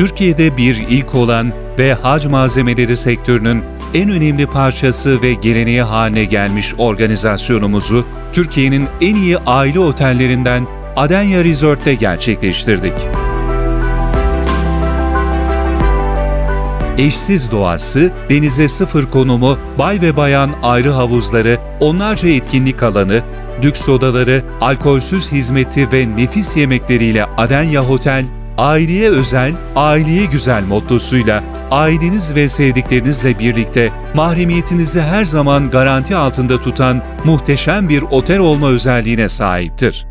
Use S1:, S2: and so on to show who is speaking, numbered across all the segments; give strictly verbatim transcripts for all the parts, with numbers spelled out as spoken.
S1: Türkiye'de bir ilk olan ve hac malzemeleri sektörünün en önemli parçası ve geleneği haline gelmiş organizasyonumuzu Türkiye'nin en iyi aile otellerinden Adenya Resort'te gerçekleştirdik. Eşsiz doğası, denize sıfır konumu, bay ve bayan ayrı havuzları, onlarca etkinlik alanı, lüks odaları, alkolsüz hizmeti ve nefis yemekleriyle Adenya Hotel, aileye özel, aileye güzel mottosuyla aileniz ve sevdiklerinizle birlikte mahremiyetinizi her zaman garanti altında tutan muhteşem bir otel olma özelliğine sahiptir.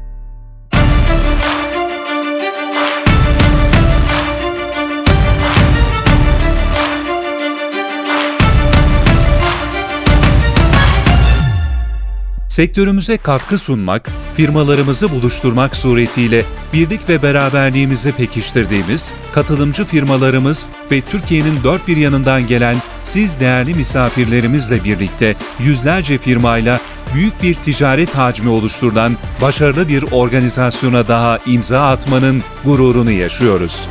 S1: Sektörümüze katkı sunmak, firmalarımızı buluşturmak suretiyle birlik ve beraberliğimizi pekiştirdiğimiz katılımcı firmalarımız ve Türkiye'nin dört bir yanından gelen siz değerli misafirlerimizle birlikte yüzlerce firmayla büyük bir ticaret hacmi oluşturulan başarılı bir organizasyona daha imza atmanın gururunu yaşıyoruz.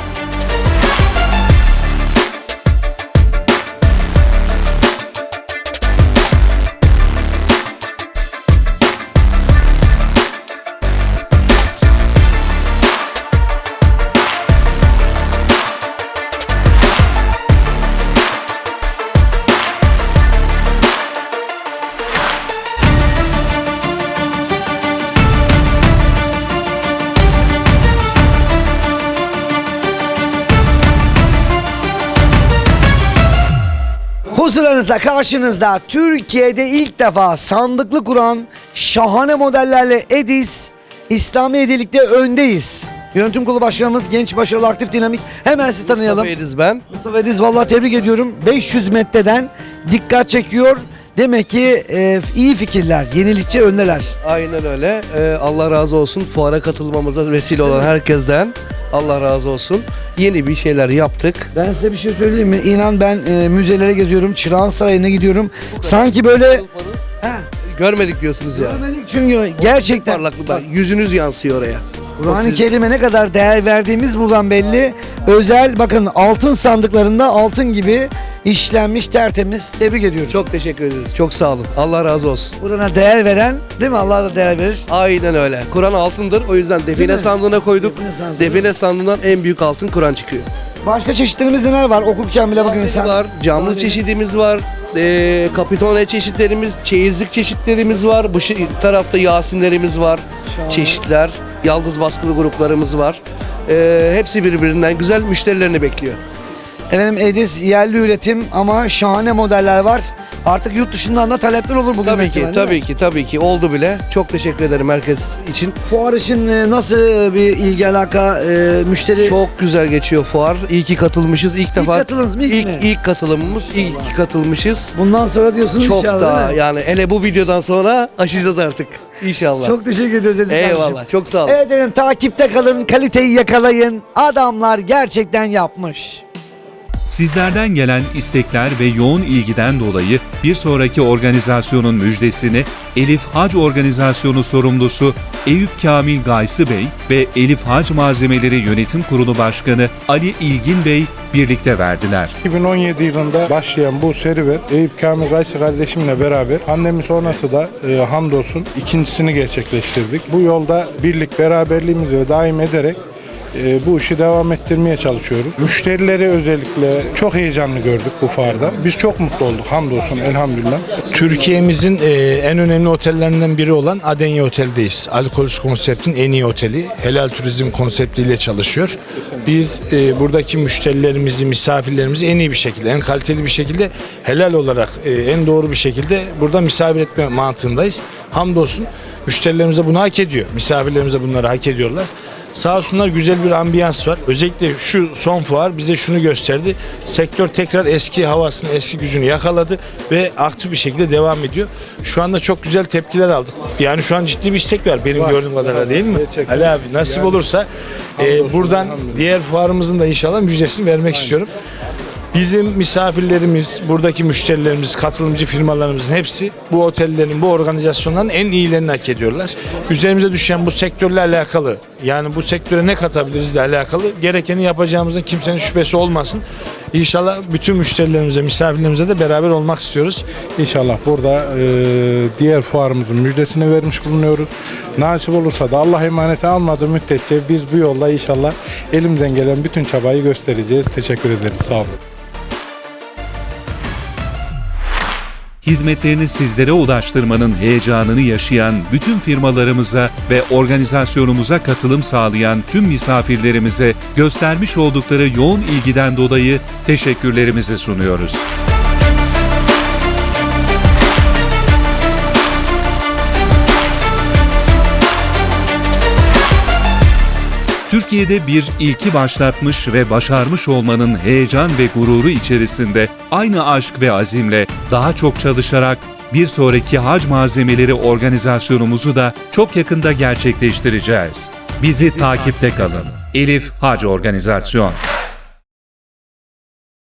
S2: Huzurlarınızda, karşınızda Türkiye'de ilk defa sandıklı kuran şahane modellerle Edis İslami Hediyelik'te öndeyiz. Yönetim Kurulu Başkanımız genç, başarılı, aktif, dinamik. Hemen sizi tanıyalım.
S3: Mustafa Ediz ben.
S2: Mustafa Ediz, vallahi tebrik ediyorum. beş yüz metreden dikkat çekiyor. Demek ki e, iyi fikirler, yenilikçi öndeler.
S3: Aynen öyle. Ee, Allah razı olsun. Fuara katılmamıza vesile olan herkesten Allah razı olsun. Yeni bir şeyler yaptık.
S2: Ben size bir şey söyleyeyim mi? İnan ben e, müzelere geziyorum, Çırağan Sarayı'na gidiyorum. Sanki böyle... He,
S3: Görmedik diyorsunuz ya.
S2: görmedik çünkü gerçekten...
S3: Parlaklık bak, yüzünüz yansıyor oraya.
S2: Kur'an-ı
S3: Siz-
S2: Kerim'e ne kadar değer verdiğimiz buradan belli. Özel, bakın altın sandıklarında altın gibi işlenmiş, tertemiz. Tebrik ediyoruz.
S3: Çok teşekkür ederiz. Çok sağ olun. Allah razı olsun.
S2: Kur'an'a değer veren, değil mi? Allah da değer verir.
S3: Aynen öyle. Kur'an altındır. O yüzden
S2: Değil
S3: define
S2: mi?
S3: sandığına koyduk.
S2: Define sandığı.
S3: Define sandığından en büyük altın Kur'an çıkıyor.
S2: Başka çeşitlerimiz neler var? Okurken bile bakın insan.
S3: Var, camlı çeşidimiz var, e, kapitone çeşitlerimiz, çeyizlik çeşitlerimiz var. Bu şi- tarafta Yasinlerimiz var,
S2: Şahane.
S3: çeşitler, yalnız baskılı gruplarımız var. E, hepsi birbirinden güzel, müşterilerini bekliyor.
S2: Efendim Edis yerli üretim ama şahane modeller var. Artık yurt dışından da talepler olur bugün.
S3: Tabii ki,
S2: ihtimalle, değil
S3: tabii
S2: mi?
S3: ki, tabii ki oldu bile. Çok teşekkür ederim herkes için.
S2: Fuar için e, nasıl bir ilgi alaka, e, müşteri?
S3: Çok güzel geçiyor fuar. İyi ki katılmışız. İlk defa
S2: katıldınız mı, ilk
S3: ilk,
S2: mi?
S3: ilk katılımımız, iyi ki katılmışız.
S2: Bundan sonra diyorsunuz
S3: Çok
S2: inşallah,
S3: daha
S2: değil mi?
S3: yani hele bu videodan sonra aşacağız artık. İnşallah.
S2: Çok teşekkür ediyoruz Edis kardeşim.
S3: Eyvallah. Çok sağ olun.
S2: Evet efendim, takipte kalın, kaliteyi yakalayın. Adamlar gerçekten yapmış.
S1: Sizlerden gelen istekler ve yoğun ilgiden dolayı bir sonraki organizasyonun müjdesini Elif Hac Organizasyonu sorumlusu Eyüp Kamil Gaysı Bey ve Elif Hac Malzemeleri Yönetim Kurulu Başkanı Ali İlgin Bey birlikte verdiler.
S4: iki bin on yedi yılında başlayan bu serüven Eyüp Kamil Gaysı kardeşimle beraber pandemi sonrası da e, hamdolsun ikincisini gerçekleştirdik. Bu yolda birlik beraberliğimizi daim ederek e, bu işi devam ettirmeye çalışıyoruz. Müşterileri özellikle çok heyecanlı gördük bu fuarda. Biz çok mutlu olduk hamdolsun elhamdülillah.
S5: Türkiye'mizin e, en önemli otellerinden biri olan Adenya Otel'deyiz. Alkolsüz konseptin en iyi oteli. Helal turizm konseptiyle çalışıyor. Biz e, buradaki müşterilerimizi, misafirlerimizi en iyi bir şekilde, en kaliteli bir şekilde, helal olarak e, en doğru bir şekilde burada misafir etme mantığındayız. Hamdolsun müşterilerimiz de bunu hak ediyor. Misafirlerimiz de bunları hak ediyorlar. Sağ olsunlar, güzel bir ambiyans var. Özellikle şu son fuar bize şunu gösterdi. Sektör tekrar eski havasını, eski gücünü yakaladı ve aktif bir şekilde devam ediyor. Şu anda çok güzel tepkiler aldık. Yani şu an ciddi bir istek var benim
S4: Var.
S5: gördüğüm kadarıyla, değil mi?
S4: Gerçekten.
S5: Ali abi nasip
S4: Yani,
S5: olursa e,
S4: hamdolsun,
S5: buradan
S4: elhamdülillah.
S5: diğer fuarımızın da inşallah müjdesini vermek istiyorum. Bizim misafirlerimiz, buradaki müşterilerimiz, katılımcı firmalarımızın hepsi bu otellerin, bu organizasyonların en iyilerini hak ediyorlar. Üzerimize düşen bu sektörle alakalı, yani bu sektöre ne katabiliriz de alakalı gerekeni yapacağımızın kimsenin şüphesi olmasın. İnşallah bütün müşterilerimize, misafirlerimize de beraber olmak istiyoruz.
S4: İnşallah burada e, diğer fuarımızın müjdesini vermiş bulunuyoruz. Nasip olursa da Allah emaneti almadığı müddetçe biz bu yolda inşallah elimizden gelen bütün çabayı göstereceğiz. Teşekkür ederiz. Sağ olun.
S1: Hizmetlerini sizlere ulaştırmanın heyecanını yaşayan bütün firmalarımıza ve organizasyonumuza katılım sağlayan tüm misafirlerimize göstermiş oldukları yoğun ilgiden dolayı teşekkürlerimizi sunuyoruz. Türkiye'de bir ilki başlatmış ve başarmış olmanın heyecan ve gururu içerisinde aynı aşk ve azimle daha çok çalışarak bir sonraki hac malzemeleri organizasyonumuzu da çok yakında gerçekleştireceğiz. Bizi takipte kalın. Elif Hac Organizasyon.